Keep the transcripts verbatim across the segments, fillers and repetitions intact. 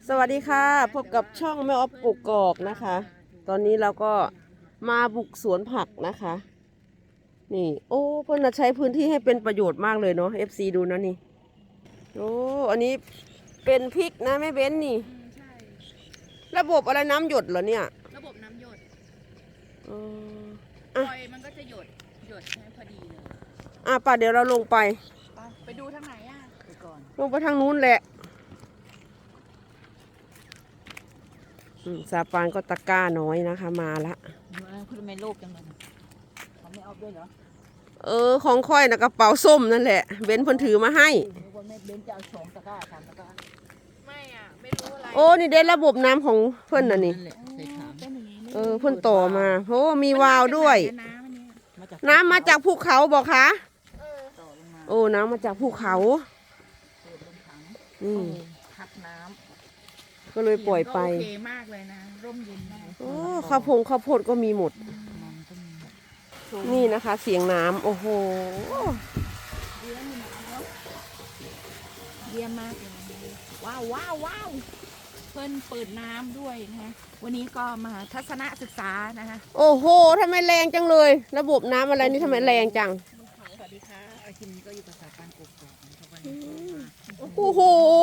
สวัสดีค่ะพบกับช่องแม่ออฟกกอกนะคะ ตอนนี้เราก็มาบุกสวนผักนะคะ นี่โอ้เพื่อนใช้พื้นที่ให้เป็นประโยชน์มากเลยเนาะ เอฟ ซี ดูนะนี่โอ้อันนี้เป็นพริกนะแม่เบ้นนี่อืมใช่ระบบอะไรน้ำหยดเหรอเนี่ยระบบน้ำหยดเออปอ่ะล่อยมันก็จะหยดหยดให้พอดีเลยอ่ะป่ะเดี๋ยวเราลงไปไปไปดูทางไหนอ่ะไปก่อนลงไปทางนู้นแหละอืมซาปานก็ตะกร้าน้อยนะคะมาละคุณไม่โลกจังเลยเขาไม่เอาด้วยเหรอเออของค่อยนะกระเป๋าส้มนั่นแหละเบ้นเพิ่นถือมาให้คนไม่เบนจะเอาสองตะกร้าสามตะกร้าไม่อ่ะไม่รู้อะไรโอ้นี่ได้ระบบน้ำของเพิ่นน่ะนี่ใส่ถามเป็นอย่างนี้เออเพิ่นต่อมาโอ้มีวาล์วด้วยน้ำอันเนี้ยมาจากน้ำมาจากภูเขาบอกคะต่อลงมาโอ้น้ำมาจากภูเขาเปิดลงถังอืมพักน้ก็เลยำปล่อยไปโอเคมากเลยนะร่มเย็นมากโอ้ข้าวพงข้าวโพดก็มีหมดมันก็มีนี่นะคะ เสียงน้ำโอ้โหเยี่ยมมากเลยว้าวว้าวว้าวเพิ่นเปิดน้ำด้วยนะคะวันนี้ก็มาทัศนศึกษานะคะโอ้โหทำไมแรงจังเลย ระบบน้ำอะไรนี่ทำไมแรงจังสวัสดีค่ะอาคิมนี้ก็อยู่ภาษาการกบกนะครับวันนี้โอ้โห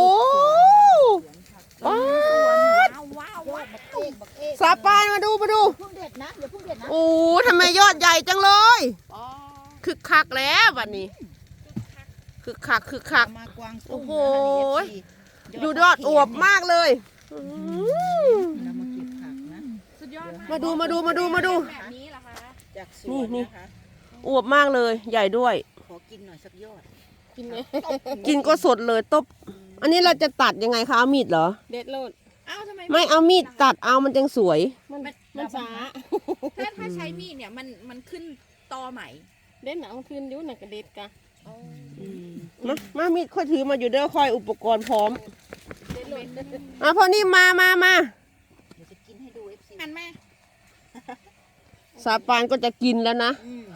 ว้าว้าวว้าวว้าวซาปานมาดูมาดูเพิ่งเด็ดนะเดี๋ยวเพิ่งเด็ดนะโอ้ทำไมยอดใหญ่จังเลยอ๋อคึกคักแล้ววันนี้คึกคักคึกคักมากวางโอ้โห อยู่ยอดอวบมากเลยอืมเรามาเก็บผักนะสุดยอดมาดูมาดูมาดูมาดูแบบนี้เหรอคะจากสนี่วนนี่นะคะอวบมากเลย ใหญ่ด้วยขอกินหน่อยสักยอดกินไหมกินก็สดเลยตบ อันนี้เราจะตัดยังไงคะเอามีดเหรอเด็ดโลดอ้าวทำไมไม่เอามีดตัดเอามันจังสวยมันมันมันช้าถ้าถ้าใช้มีดเนี่ยมันมันขึ้นตอใหม่เด็ดหนาวคืนอยุ่หนักกระเด็ดกะมามามีดค่อยถือมาอยู่เด้อคอยอุปกรณ์พร้อมเด็ดโลดอ่ะพอนี่มามามาเดี๋ยวจะกินให้ดูเอฟซีหันแม่สาปานก็จะกินแล้วนะอืม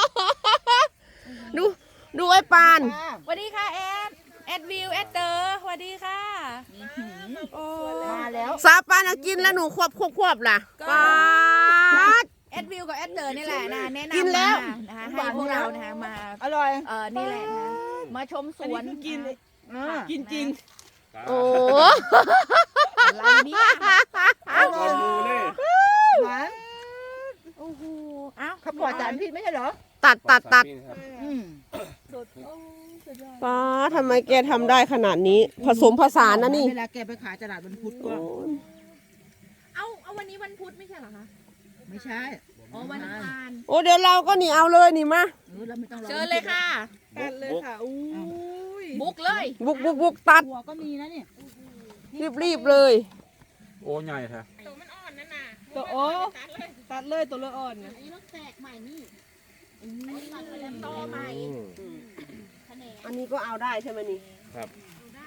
ดูดูไอ้ปานสวัสดีค่ะแอดแอดวิวแอดเตอร์สวัสดีค่ะโอ้มาแล้วสาปานเอากินแล้วหนูควบควบควบล่ะก็ปาดแอดวิวกับแอดเตอร์นี่แหละนะแนะนำกินแล้วมานะคะให้พวกเรานะคะมาอร่อยเออนี่แหละนะคะมาชมสวนกินอ่ากินจริงโอ้อะไรเนี่ยก่อนดูเลยหวานโอ้โหเอ้าเขาปลอดสารพิษไม่ใช่เหรอตัดตัดตัดอืมป้าทำไมแกทำได้ขนาดนี้ ผสมผสานนะนี่เวลาแกไปขายตลาดวันพุธก็เอาเอาวันนี้วันพุธไม่ใช่เหรอคะไม่ใช่อ๋อวันอังคารโอ้เดี๋ยวเราก็นี่เอาเลยนี่มาเออเราไม่ต้องรอเชิญเลยค่ะตัดเลยค่ะอู้ยบุกเลยบุกบุกบุกตัดหัวก็มีนะเนี่ยรีบรีบเลยโอ้ใหญ่แท้ตัวโอ้ตัดเลยตัวละอ่อนนะอันนี้มันแตกใหม่นี่ตัดไปแล้วต่อใหม่อันนี้ก็เอาได้ใช่ไหมนี่ครับได้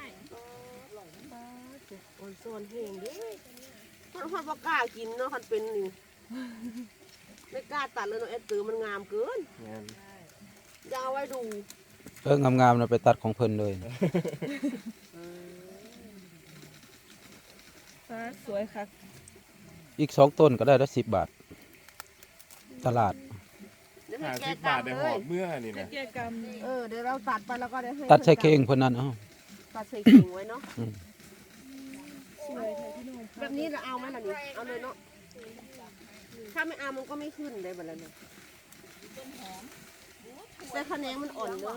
อ่อนโซนเฮงดิมันคนบ่กล้ากินเนาะคันเป็นนี่ไม่กล้าตัดเลยเนาะเอ็ดตือมันงามเกินงานจะเอาไว้ดูเอองามๆเราไปตัดของเพิ่นเลยสวยค่ะอีกสองต้นก็ได้ละสิบบาท ตลาดเดี๋ยวให้ห้าแกสิบบาทตัดได้เลหอย บเมื่อนี่นะเกี่ยกรรมเออเดี๋ยวเราตัดไปแล้วก็ได้ให้ตัดใส่เข่งเพิ่นนั่นเอ้าตัดใส่เข่งไว้เนาะอืมสวยค่ะพี่น้องแบบนี้เราเอาไหมล่ะนี่เอาเลยเนาะถ้าไม่เอามันก็ไม่ขึ้นได้แบบนั้นเลยแต่คะแนนมันอ่อนเด้อ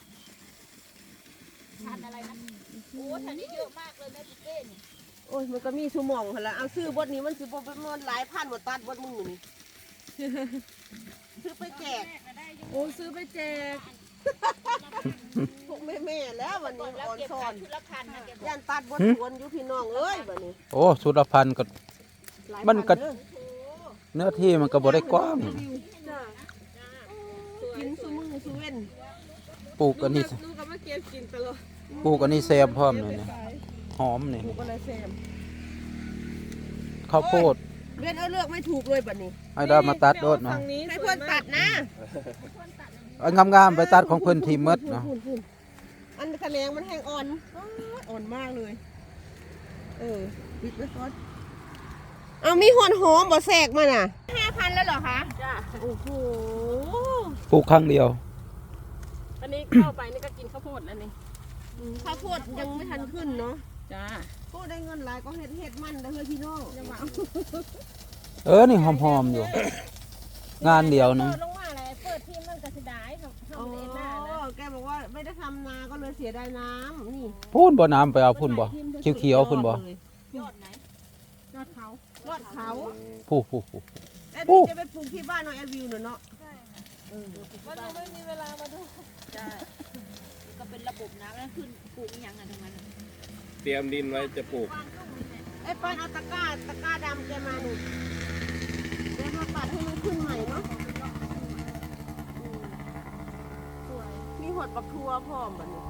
ทันอะไรนะโอ้ทันนี้เยอะมากเลยแม่ปุ๊กเก้นี่โอ้ยมันก็มีชั่วโมงหั่นละเอาซื้อบทนี้มันสิบ่เป็นมันหลายพันบ่ตัดบทมึงนี่ ซื้อไปแจกโอ้ซื้อไปแจกพวกแม่ๆแล้ววันนี้แล้วอ่อนเก็บซ่อขาน ยชุดละพันนะแกบอกย่านตัดบทสวนอยู่พี่น้องเอ้ยบัดนี้โอ้สุรพันธ์ก็หลายมันก็พัเด้อเนื้อที่มันก็บ่ได้กว้างจ้ะกินซุมือซุเว้นปลูกอันนี้ลูกก็มาเก็บกินตลอดปลูกอันนี้แซมพร้อมเลยนะหอมนี่หมูก็เลยแซมข้าวโพดเว้นเอาเลือกไม่ถูกเลยบัดนี้ให้ได้มาตัดโดดนะฝั่งนี้ให้เพื่อนตัดนะเอางามๆไปตัดของเพิ่นทีมดนะอันคะแนนมันแห้งอ่อนอ้าวอ่อนมากเลย เอเออปิดไว้ก่อนเอามีหอนหอมบ่แทรกมาน่ะห้าพันแล้วเหรอคะจ้าโอ้โหปลูกครั้งเดียวอันนี้เข้าไปนี่ก็กินข้าวโพดแล้วนี่ข้าวโพดยังไม่ทันขึ้นเนาะจ้าก็ได้เงินหลายก็เฮ็ดเฮ็ดมันเด้อเฮ้ยพี่น้องยังว่าเออนี่หอมๆอยู่ งานเดียวนะลงมาอะไรเปิดทีมมันก็เสียดายทำอ๋อทำเองหน้านะแกบอกว่าไม่ได้ทำนาก็เลยเสียดายน้ำนี่พูนบ่น้ำไปเอาพุ่นบ่เขียวๆพุ่นบ่ยอดยอดไหนยอดเขายอดเขาผู้ผู้ผู้แอดวิวจะไปปลูกที่บ้านน้องแอดวิวเนอะเนาะมันยังไม่มีเวลามาดูใช่ก็เป็นระบบน้ำแล้วขึ้นปลูกอีหยังอ่ะตรงนั้นเตรียมดินไว้จะปลูกไอ้ปานเอาตะกร้าตะกร้าดำแกมาหนูแกมาปัดให้มันขึ้นใหม่เนาะอืมสวยมีหดปักทัวพร้อมแบบนี้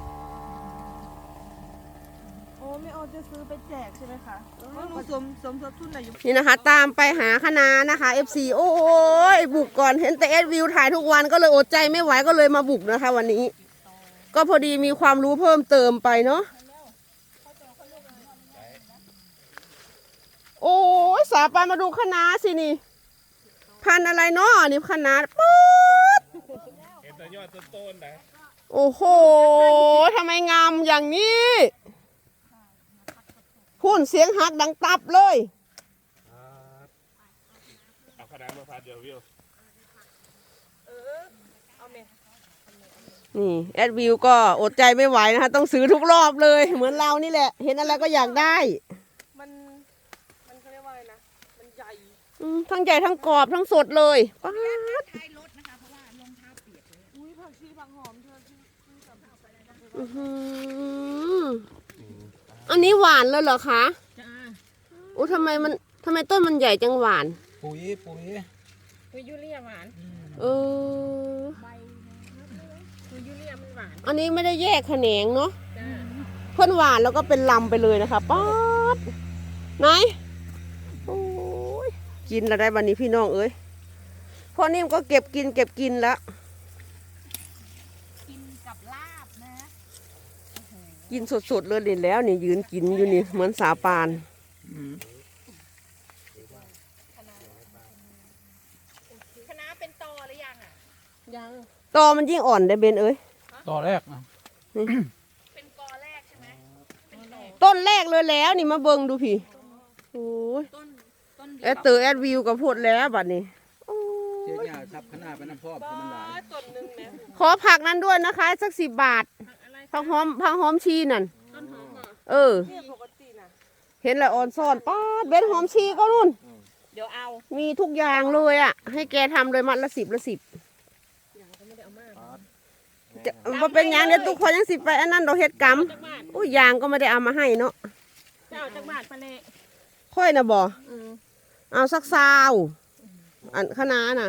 โอ้ไม่เอาจะซื้อไปแจกใช่ไหมคะว่าหนูสมสมทบทุนอะไรอยู่นี่นะคะ ตามไปหาคณะนะคะ เอฟ ซี โอ้ยบุกก่อนเห็นแต่แอดวิวถ่ายทุกวันก็เลยอดใจไม่ไหวก็เลยมาบุกนะคะ วันนี้ ก็พอดีมีความรู้เพิ่มเติมไปเนาะโอ้ยสาปานมาดูคณะสินี่พันธุ์อะไรเนาะนี่คณะป๊ดเห็นแต่ยอดต้นๆนะโอ้โหทำไมงามอย่างนี้พูนเสียงหักดังตับเลยเอาคณะมาพัดเดียววิวนี่แอดวิวก็อดใจไม่ไหวนะคะต้องซื้อทุกรอบเลยเหมือนเรานี่แหละ เห็นอะไรก็อยากได้มันมันเขาเรียกว่าอะไรนะมันใหญ่อืมทั้งใหญ่ทั้งกรอบทั้งสดเลยป๊าดท้ายรถนะคะเพราะว่ารองเท้าเปียกเลยอุ้ยผักชีผักหอมเธอที่ที่กับเอาไปเลยนะอื้อหืออันนี้หวานเลยเหรอคะจ้าโอ้ทำไมมันทำไมต้นมันใหญ่จังหวานปุ๋ยปุ๋ยคุยยูเรียหวานเออคุยยูเรียมันหวานอันนี้ไม่ได้แยกแขนงเนาะจ้าเพื่อนหวานแล้วก็เป็นลำไปเลยนะคะป๊าดไหนโอ้ยกินแล้วได้วันนี้พี่น้องเอ้ยพอนิ่มก็เก็บกินเก็บกินแล้วกินกับลาบนะกินสดๆเลยนี่แล้วนี่ยืนกินอยู่นี่เหมือนสาปานคณะเป็นตอหรือยังอ่ะยังตอมันยิ่งอ่อนได้เบนเอ้ยต่อแรกนะเป็นกอแรกใช่ไหมเป็นดอกต้นแรกเลยแล้วนี่มาเบิ่งดูพี่โอ้ยต้นต้นเดีแอยวดเตอร์แอดวิวกับพูดแล้วบัดนี้โอ้เสียยหญ้าทับขนาดไปน้ำพอบมันหลายต้นหนึ่งนะขอผักนั้นด้วยนะคะสักสิบบาทอะไรผักหอมผักหอมชีนั่นต้นหอมเหรอเออเนี่ยปกตินะเห็นแล้วอ่อนซ่อนป้าดเบ็ดหอมชีก็นู่นเดี๋ยวเอามีทุกอย่างเลยอ่ะ ให้แกทำเลยมัดละสิบละสิบอย่างก็ไม่ได้เอามากจะมาเป็นหยังเดี๋ยวทุกคนยังสิไปอันนั้นดอกเห็ดกรรมจักบาทอุ้ยยางก็ไม่ได้เอามาให้เนาะเจ้าจักบาทไปเลยค่อยนะบ่อืมเอาสักซาวอันคณะน่ะ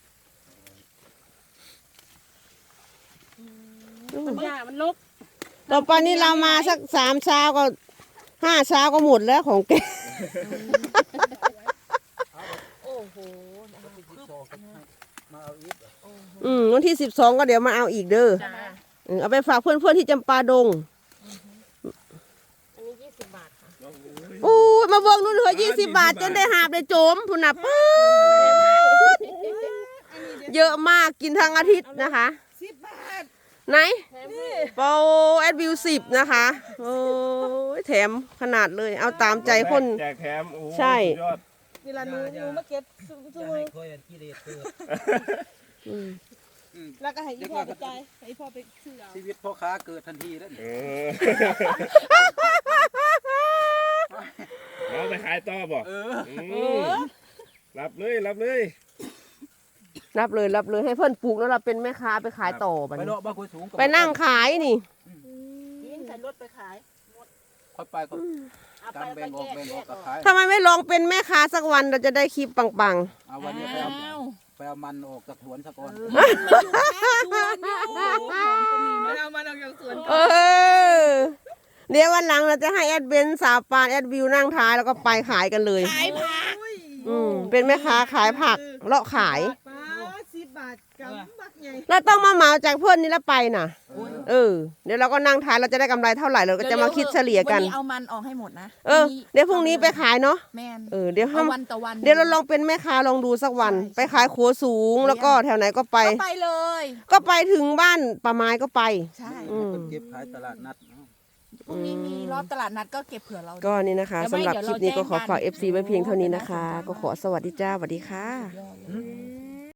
มันยากมันลกต่อไปนี้เรามาสักสามเช้าก็ห้าเช้าก็หมดแล้วของแกโอ้โหมาเอาอีกอืมวันที่สิบสองก็เดี๋ยวมาเอาอีกเด้อจ้าเออเอาไปฝากเพื่อนๆที่จำปาดงอันนี้ยี่สิบบาทค่ะอู้ยมาเบิ่งนู่นเหลือยี่สิบบาทจนได้หาบได้โจมพุ่นน่ะป๊าดเยอะมากกินทั้งอาทิตย์นะคะสิบบาทไหนแถมนี่โปรแอดวิวสิบนะคะ โอ้ยแถมขนาดเลย เอาตามใจคนแจกแถมโอ้โหใช่สุดยอดนี่ละหนูหนูมาเก็บซื้อซื้อมือค่อยกิเลสเกิดอืมแล้วก็ให้อีพ่อไปจ่ายให้อีพ่อไปซื้อเอาชีวิตพ่อค้าเกิดทันทีแล้วเออเอาไปขายต่อบ่เออมรับเลยรับเลยรับเลยรับเลยให้เพื่อนปลูกแล้วเราเป็นแม่ค้าไปขายต่อบัดไปนี้เลาะบ้านคุยสูงไปนั่งขายนี่ยิงใส่รถไปขายค่อยไปก็เอาตาไปมแล้วแบ่ก็งอแยอกกแบ่งออกแยกอกับอกขายทำไมไม่ลองเป็นแม่ค้าสักวันเราจะได้คลิปปังเอาวันนี้ไปเอาไปเอามันออกจากสวนซะก่อนไม่เอามาเอาอย่างสวนๆ เออ เดี๋ยววันหลังเราจะให้แอดเบนสาวปานแอดวิวนั่งท้ายแล้วก็ไปขายกันเลยขายผักอืมเป็นแม่ค้าขายผักเลาะขายป้าสิบบาทกับมาใหญ่เราต้องมาเหมาจากเพื่อนนี่แล้วไปน่ะ เออ เดี๋ยวเราก็นั่งทานเราจะได้กำไรเท่าไหร่เราก็จะมาคิดเฉลี่ยกันวันนี้เอามันออกให้หมดนะเออ เดี๋ยวพรุ่งนี้ไปขายเนาะแม่นเออ เดี๋ยวเอาห้ามวันต่อวันเดี๋ยวเราลองเป็นแม่ค้าลองดูสักวันใช่ไปขายขัวสูงแล้วก็แถวไหนก็ไปก็ไปเลยก็ไปถึงบ้านป่าไม้ก็ไปใช่อืมเก็บขายตลาดนัดเนาะพรุ่งนี้มีรอบตลาดนัดก็เก็บเผื่อเราก็นี่นะคะเดี๋ยวสำไม่หรับเดี๋ยวคลิปนี้ก็ขอฝากเราแจ้งกันเอฟซี ไว้เพียงเท่านี้นะคะ ก็ขอสวัสดีจ้าสวัสดีค่ะยอดเลย